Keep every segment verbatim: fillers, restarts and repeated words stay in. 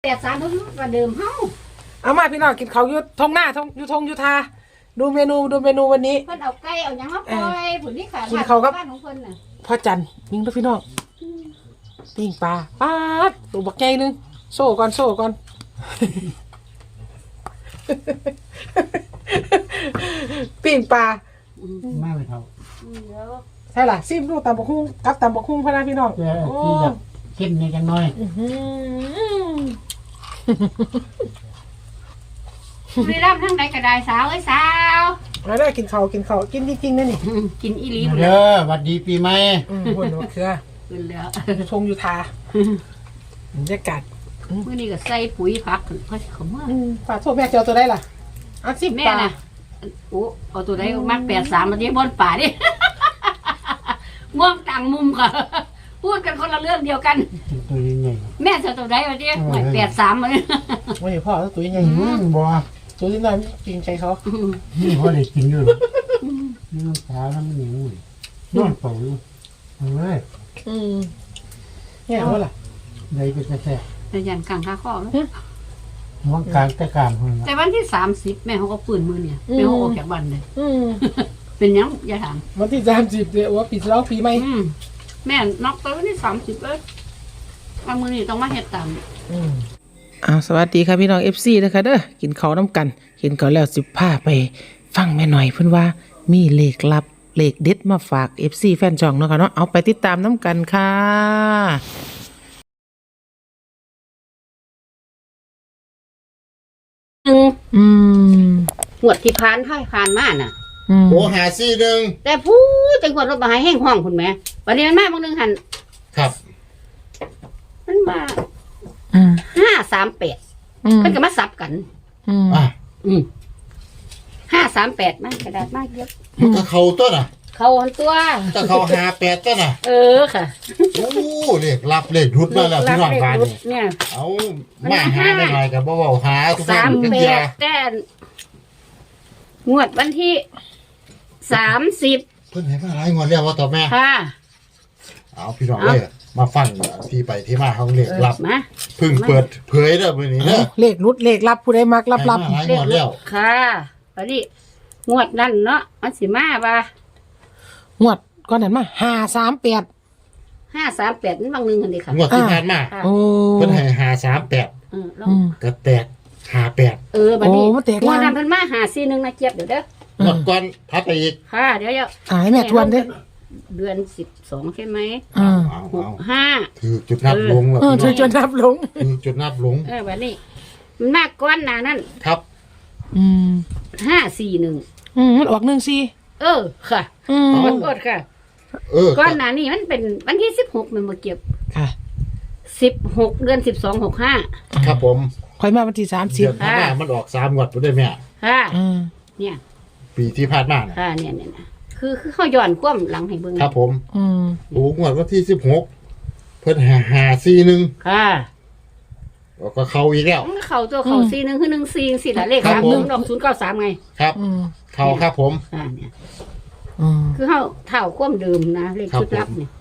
ดสามเพิ่มกว่าเดิมเฮ้าเอามาพี่น้องกินเขาอยู่ทงหน้าทงอยู่ทงอยู่ทาดูเมนูดูเมนูวันนี้เพิ่นเอาไก่เอาหยังมาปล่อยผุนนี่ขาดบ้านของเพิ่นน่ะพ่อจันยิงด้วยพี่น้องปิ้งปลาปลาตัวบักใหญ่นึงโซ่ก่อนโซ่ก่อนปิ้งปลาไม่ไปเท่าใช่ล่ะซิมดูตำบักหุ่งกับตำบักหุ่งพะนะพี่น้องที่แบบเข้มเนี่ยจังน้อยบุรีรัมย์ทั้งใดก็ได้สาวเอ้ยสาวมาได้กินเขากินเขากินจริงๆนะนี่กินอีหลีเด้อวัดดีปีใหม่หุ่นหัวเครือขึ้นแล้วชงอยู่ทาบรรยากาศมื้อนี้ก็ใส่ปุ๋ยผักขึ้นค่อยเข้ามาฝากโทษแม่เจ้าตัวได้ล่ะอันสิบแม่น่ะโอ้เอาตัวใดก็มักแปดสามมาที่บนป่าดิง่วงต่างมุมค่ะพูดกันคนละเรื่องเดียวกันตัวใหญ่แม่จะตัวใดมาดิแปดสามมาเนี่ยไม่พ่อตัวใหญ่บ่ตัวที่นั่นจริงใจเขานี่พ่อได้กินอยู่นี่น้ำตาแล้วมันอย่างนี้นอนเป่าอยู่เอาเลยอืมเนี่ยว่าล่ะได้ก็จะแซ่แต่ยันกลางข้าข้อไหมว่างกลางแต่กลางคนแต่วันที่สามสิบแม่เขาก็ปืนมือเนี่ยแม่เขาออกจากบ้านเลยเป็นยังอย่าถามวันที่สามสิบเดี๋ยวว่าปิดร้องปีใหม่แม่นอกตัววันที่สามสิบเลยวันมือนี่ต้องมาเฮ็ดตามอ้าวสวัสดีค่ะพี่น้องเอฟซีนะคะเด้อกินข้าวน้ำกันกินข้าวแล้วสิบผ้าไปฟังแม่หน่อยเพิ่นว่ามีเลขลับเลขเด็ดมาฝากเอฟซีแฟนช่องเนาะค่ะเนาะเอาไปติดตามน้ำกันค่ะอืมหวดที่พานพ่ายพานมาน่ะโอ้หาซี่หนึ่งแต่พูดจังหวัดรถมาหายแห้งห้องคุณแม่วันนี้มันมาบางนึงหันครับมันมาห้าสามแปดเพิ่นก็มาซับกันอ่าอืมห้าสามแปดมันกระดาษมากเยอะก็เขาต้นอ่ะเขาตัวก็เขาหาแปดต้นอ่ะเออค่ะโอ้เลขรับเลขรุดมาแล้วพี่น้องบ้านเนี่ยเอามาหาไม่หน่อยกับบ่เว้าหาทุกสามแปดแต่งวดวันที่สามสิบเพิ่นให้มาหลายงวดแล้วว่าต่อแม่ค่ะเอาพี่น้องเลยมาฟังที่ไปที่มาของเลขลับเพิ่งเปิดเผยเด้อมื้อนี้เด้อเลขรุดเลขลับผู้ใดมักลับๆเลขแล้วค่ะวันนี้งวดนั้นเนาะมันสิมาบ่งวดก่อนนั้นมาห้าสามแปดห้าสามแปดนั่นบางนึงกันดิค่ะงวดที่ผ่านมาโอ้เพิ่นให้ห้าสามแปดเออก็แตกห้าแปดเออบัดนี้งวดนั้นเพิ่นมาหาสี่นึงนะเจี๊ยบเดี๋ยวเด้อหมดก่อนพัดไปอีกค่ะเดี๋ยวๆอ่าให้แม่ทวนเด้อเดือนสิบสองใช่ไหมอ่าหกห้าคือจุดนับลงแล้วเออจุดนับลงคือจุดนับลงเออบัดนี้มันมากก้อนหนานั่นครับอืมห้าสี่หนึ่งอืมมันออกหนึ่งสี่เออค่ะอืมมันกดค่ะเออก้อนหนานี่มันเป็นวันที่สิบหกมันมาเก็บค่ะสิบหกเดือนสิบสองหกห้าครับผมค่อยมาวันที่สามสิบค่ะมันออกสามงวดไปด้วยแม่ค่ะเนี่ยปีที่ผ่านมาค่ะเนี่ยเนี่ยคือคือเขาย้อนคว่ำหลังให้เบิ่งครับผมอืมโอ้งวดวันที่สิบหกเพิ่นหาหาสี่หนึ่งค่ะก็เข้าอีกแล้วเข้าตัวเข้าสี่หนึ่งคือหนึ่งสี่สี่ละเลขสามหนึ่งดอกศูนย์เก้าสามไงครับเข้าครับผมอ่าเนี่ยคือเขาเท่าคว่ำเดิมนะเลขชุดลับเนี่ย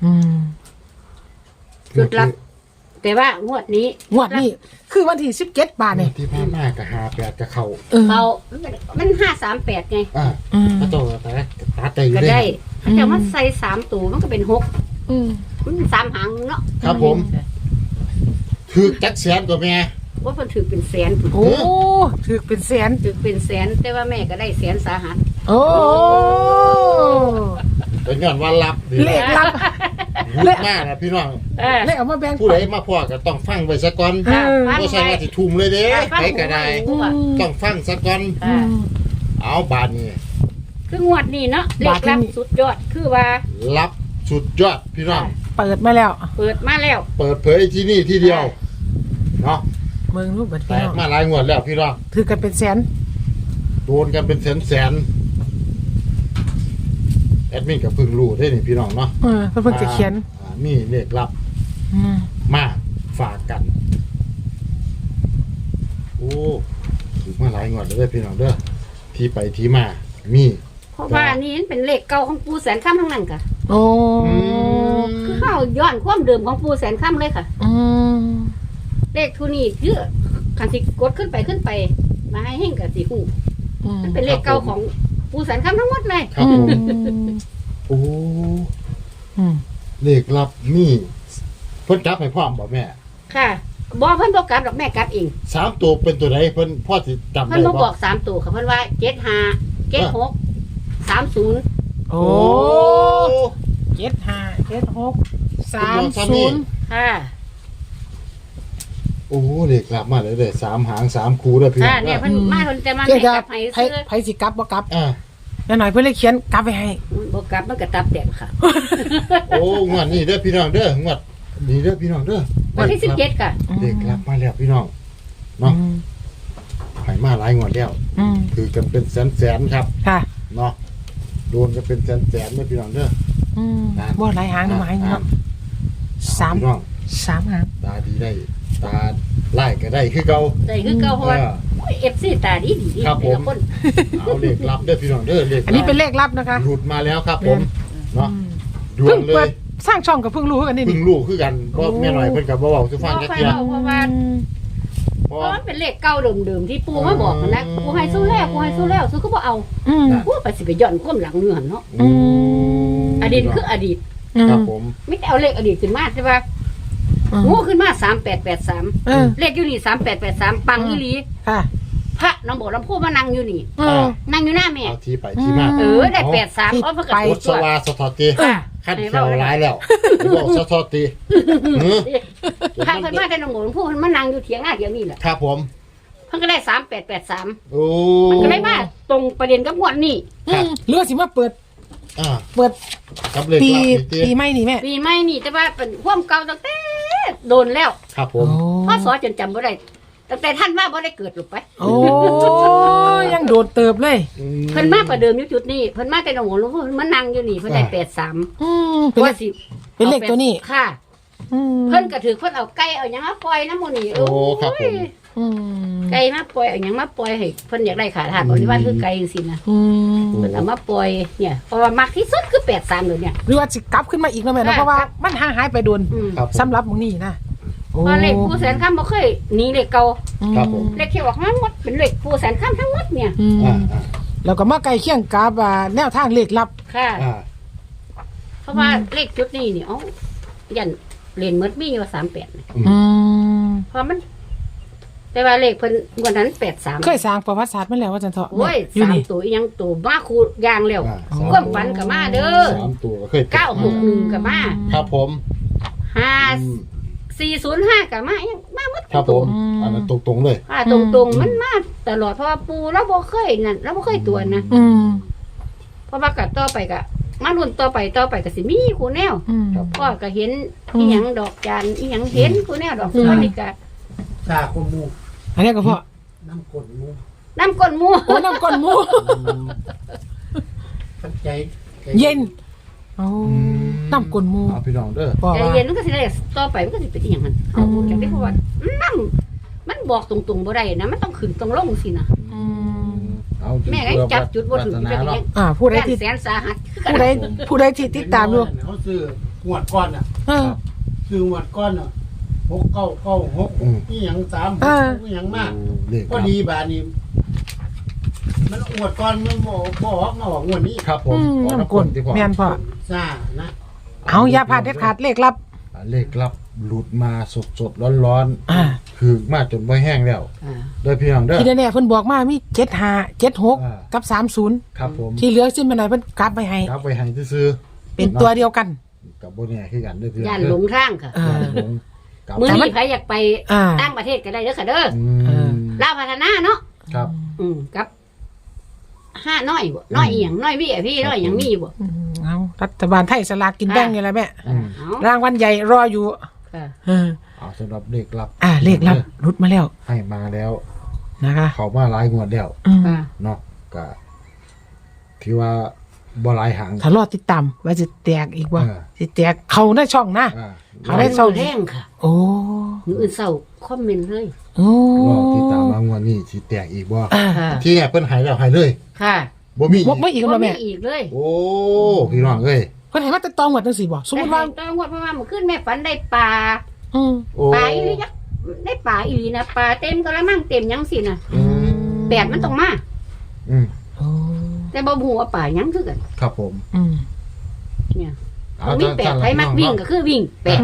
ชุดลับแต่ว่างวดนี้งวดนี้คือวันที่สิบเจ็ดบาทเนี่ยที่ผ่านมากับหาแปดกับเขาเขามันห้าสามแปดไงอ่าก็โตแต่ตาเตยก็ได้แต่มันใส่สามตัวมันก็เป็นหกมันสามหางเนาะครับผมถือจักแสนตัวแม่ว่ามันถือเป็นแสนโอ้ถือเป็นแสนถือเป็นแสนแต่ว่าแม่ก็ได้แสนสาหัสโอ้เป็นย้อนว่าลับเลขลับเลขมากนะพี่น้องเลขเอามาแบ่งผู้ใดมาพ่อก็ต้องฟังไว้ซะก่อนบ่ใช่ว่าสิทุ่มเลยเด้ไปก็ได้ต้องฟังซะก่อนเอาบาดนี้คืองวดนี้เนาะเลขลับสุดยอดคือว่าลับสุดยอดพี่น้องเปิดมาแล้วเปิดมาแล้วเปิดเผยที่นี่ที่เดียวเนาะเมืองรูปแบบแตกมาหลายงวดแล้วพี่น้องถือกันเป็นแสนโดนกันเป็นแสนแสนแอดมินกับพึ่งรู้ได้นี่พี่น้องเนาะเออเพิ่งจะเขียนมีเลขลับมาฝากกันโอ้ถือมาหลายงวดเลยพี่น้องเด้อที่ไปที่มามีเพราะว่านี่เป็นเลขเก่าของปูแสนค่ำทั้งนั้นค่ะโอ้คือเข้าย้อนความเดิมของปูแสนค่ำเลยค่ะเลขทุนี่คือคันสิกดขึ้นไปขึ้นไป มาให้เฮงกับสิฮู้อืมมันเป็นเลขเก่าของปูสันคำทั้งหมดเลยครับผมโอ้อืมเลขลับมีเพิ่นจับให้พร้อมบ่แม่ค่ะบอกเพิ่นบอกกลับดอกแม่กลับเองสามตัวเป็นตัวไหนเพิ่นพ่อสิจำเพิ่ได้นบ่บบ่อกสามตัวค่ะเพิ่นว่าเจ็ดห้าเจ็ดหกสามศูนย์โอ้เจ็ดห้าเจ็ดหกสามศูนย์ค่ะโอ้เลขลับมาเลยเด้อสามหางสามคู่เด้อพี่น้ค่ะองเนี่ยเพิ่นมาเพิ่นจะมาเพื่อแม่จะกลับให้ไผซื้อไผสิกลับบ่กลับอ่าแม่หน่อยเพิ่นเลยเขียนกลับไปให้บ่กลับมันก็ตับแตกค่ะโอ้งวดนี้เด้อพี่น้องเด้องวดนี้เด้อพี่น้องเด้อวันที่สิบเจ็ดค่ะเลขลับมาแล้วพี่น้องเนาะอืมให้มาหลายงวดแล้วอืมคือกันเป็นแสนๆครับค่ะเนาะโดนกันเป็นแสนๆเด้อพี่น้องเด้ออืมบ่หลายหางนะหมายเนาะสามพี่น้องสามหางตาดีได้ตาไล่ก็ได้คือเก่าได้คือเก่าเพราะว่าเออโอ้ย เอฟ ซี ตาดีดีดีครับผมแต่ละคนเอาเลขลับเด้อพี่น้องเด้อเลขอันนี้เป็นเลขลับนะคะหลุดมาแล้วครับผมเนาะอืมด่วเพิ่นงเลเปิยดสร้างช่องกับเพิ่งรู้กันนี่เพึ่นี่งรู้คือกันเพราะแม่หน่อยเพิ่นก็บ่เว้าสิฟังจักเที่ยเพราะว่าเพเพราะราะมันเป็นเลขเก่าเดิมๆที่ปูมาบอกนะปูให้สู้แล้วปูให้สู้แล้วสู้ก็บ่เอาอืมปูไปสิไปย้อนก้มหลังเนื้อหั่นเนาะอืมอดีตคืออดีตครับผมไม่ได้เอาเลขอดีตขึ้นมาใช่ป่ะอืมงูขึ้นมาสามแปดแปดสามเออเลขอยู่นี่สามแปดแปดสามปังอีหลีค่ะพระน้องบอกลำพูมานั่งอยู่นี่อืมนั่งอยู่หน้าแม่เอาที่ไปที่มาเออได้แปดสามเอาเพิ่นก็ไปตรวรจถสตัววาสทอติค่ะขั้นเขียวร้ายแล้วบอกสทอติเออพระเพิ่นมาแต่น้องบอกลำพูเพิ่นมานั่งอยู่เถียงหน้าเถียงนี่แหละครับผมเพิ่นก็ได้สามแปดแปดสามโอ้มันก็เลยมาตรงประเด็นกับงวดนี้อืมเรือสิมาเปิดอ่าเปิดกับเลขปีลับนี่ติปีใหม่นี่แม่ปีใหม่นี่แต่ว่าเป็นความเก่าตั้งแต่โดนแล้วครับผมพ่อสอจนจำบ่ได้ตั้งแต่ท่านว่าบ่ได้เกิดหรอกไปโอ้ยังโดดเติบเลยอืเพิ่นมาประเดิมอยู่จุดนี้เพิ่นมาแต่หนองหัวหลวงพ่อเพิ่นมานั่งอยู่นี่เพิ่นได้แปดสามอืมเป็นเลว่าขสิเป็นเลขตัวนี้ค่ะอืมเพิ่นก็ถือเพิ่นเอาไก่เอาหยังมาปล่อยน้ำหมันนี่โอ้ครับผมอืมไก่มาปล่อยเอาหยังมาปล่อยให้เพิ่นอยากได้ขาทาสบริวารคือไก่จังซี่นะอืมเพิ่นเอามาปล่อยเนี่ยเพราะว่ามักที่สุดคือแปดสามเลยเนี่ยหรือว่าสิกลับขึ้นมาอีกนะแม่นะค่ะเพราะว่ามันห่างหายไปโดนอืมครับผมสำหรับมึงนี่นะโอ้เพราะเลขผู้แสนคำบ่เคยหนีเลขเก่าครับผมเลขที่ออกมาหมดเป็นเลขผู้แสนคำทั้งหมดเนี่ยอืมอ่าอ่าแล้วก็มาใกล้เคียงกับอ่าแนวทางเลขลับค่ะอ่าเพราะว่าเลขจุดนี้นี่เอ้ายันเรียนเมดมีอยู่สามแปดอืมเพราะมัน แต่ว่าเลขเพิ่นงวันนั้นแปดสามเคยสร้างประวัติศาสตร์มาแล้วว่าจันเถาะโอ้ยอยู่สามนี่ตัวอีหยังตัวมาคูยางแล้วอ่าอ๋อความฝันกับมาเด้อสามตัวก็เคยเก้าหกหนึ่งกับมาครับผมห้าอืมสี่ศูนย์ห้ากับมายังมาหมดครับผมอันนั้นตรงๆเลยอ่าตรงตรงๆมันมาตลอดเพราะว่าปูเราบ่เคยนั่นเราบ่เคยตัวนะอืมเพราะว่ากัต่อไปกะมารุ่นต่อไปต่อไปก็สิมีคูแนวอืมพ่อก็เห็นอืมอีหยังดอกจานอีหยังเห็นคูแนวดอกสวัสดิกะซาคนหมูอันนี้ก็เพราะน้ำกดหมูน้ำก้นหมูโอ้น้ำก้นหมูขัดใจเย็นโอ้น้ำก้นหมูเอาพี่น้องเด้อบอกใจว่าเย็นมันก็สิได้ต่อไปมันก็สิเป็นอีหยังหั่นเอาจากที่เพราะว่าน้ำมันบอกตรงๆบ่ได้นะมันต้องขึ้นต้องลงสินะอืมเอาแม่ก็จับจุดบ่ถึงวัฒจะนาเป็นเนาะยังอ่าผู้ใดแสนที่แสนสาหัสผู้ใดผู้ใดที่ติดตามอยู่เขาซื้อหวดก้อนอ่ะเออซื้อหวดก้อนอ่ะหกเก้าเก้าหกอืมนี่ยังสามเออนี่ยังมากเลขก็ดีบาทนี้มันหวดก้อนมันบอกบอกมาบอกงวดนี้ครับผมอืมขอน้ำก้นที่พ่อแม่นพ่อซานะเอาอย่าพลาดเด็ดขาดเลขลับเลขลับหลุดมาสดๆร้อนอ่าๆคือมาจนบ่แห้งแล้วอ่าโดยพี่น้องเด้อที่แน่ๆเพิ่นบอกมามีเจ็ดห้าเจ็ดหกอ่ากับสามศูนย์ครับผมที่เหลือสิ้นไปไหนเพิ่นกลับไปให้ครับไปให้ซื้อเป็นตัวเดียวกันๆกับบ่แน่คือกันเด้อพี่น้องย่านเด้อหลงทางค่ะอ่าย่านหลงกับมื้อแต่มันี้นใครอยากไปอ่าต่างประเทศก็ได้เด้อค่ะเด้ออืเออมลาวพัฒนาเนาะครับอืมกับห้าน้อยบ่น้อยอีหยังน้อยพี่พี่น้อยหยังมีบ่อืมเอารัฐบาลไทยสลากกินแบ่งนี่แหละแม่อืมเอารางวัลใหญ่รออยู่ค่ะเออเอาสำหรับเลขลับอ่าเลขลับรุดมาแล้วให้มาแล้วนะคะเขามาหลายงวดแล้วอืมค่ะเนาะก็ที่ว่าบ่หลายหางถ้ารอติดตามว่าจะแตกอีกว่าเออสิแตกเขาในช่องนะอ่าเอาได้เศร้าแรงค่ะโอ้มื้ออื่นเศร้าคอมเมนต์เลยโอ้รอติดตามมางวดนี้สิแตกอีกบ่อ่าค่ะที่เนี่ยเพิ่นใหายแล้วใหายเลยค่ะบ่มีอีบ่กไม่อีกบ่แล้วมีแม่อีกเลยโอ้พี่น้องเอ้ยเพิ่นให้มาแต่ตองหมดจังซี่บ่สมมุติว่าแต่ต้องงวดเพราะว่าเมื่อคืนแม่ฝันได้ปลาอืมโอ้ปลาอีหลียักษ์ได้ป่าอีหลีนะป่าเต็มกระมังเต็มยังสินะอืมแปดมันต้องมาอืมโอ้แต่บ่ฮู้ว่าป่ายังคือกันครับผมอืมเนี่ยเอามีแปดสั่นๆใครมักวิ่งก็คือวิ่งแปด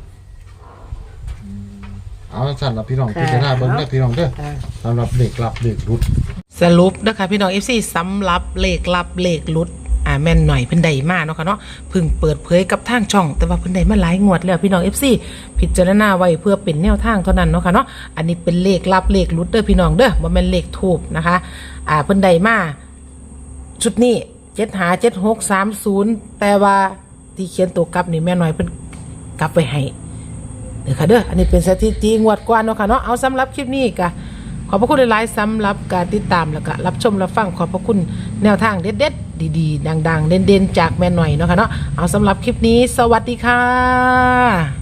เอาสั่นละพี่น้องค่ะพิจารณาเบิ่งเด้อพี่น้องเด้อสำหรับเด็กรับเด็กรุดสรุปนะคะพี่น้อง เอฟ ซี สำหรับเลขลับเลขหลุดอ่าแม่นหน่อยเพิ่นได้มาเนาะค่ะเนาะเพิ่งเปิดเผยกับทางช่อง แต่ว่าเพิ่นได้มาหลายงวดแล้วพี่น้อง เอฟ ซี พิจารณาไว้เพื่อเป็นแนวทางเท่านั้นเนาะค่ะเนาะอันนี้เป็นเลขลับเลขหลุดเด้อพี่น้องเด้อบ่แม่นเลขทูบนะคะอ่าเพิ่นได้มาชุดนี้เจ็ดหาเจ็ดหกสามศูนย์แต่ว่าที่เขียนตัวกลับนี่แม่น้อยเพิ่นกลับไปให้เด้อค่ะเด้ออันนี้เป็นสถิติงวดก่อนเนาะค่ะเนาะเอาสำหรับคลิปนี้ก็ขอบพระคุณหลายๆสำหรับการติดตามแล้วก็รับชมรับฟังขอบพระคุณแนวทางเด็ดๆดีๆดังๆเด่นๆจากแม่หน่อยเนาะค่ะเนาะเอาสำหรับคลิปนี้สวัสดีค่ะ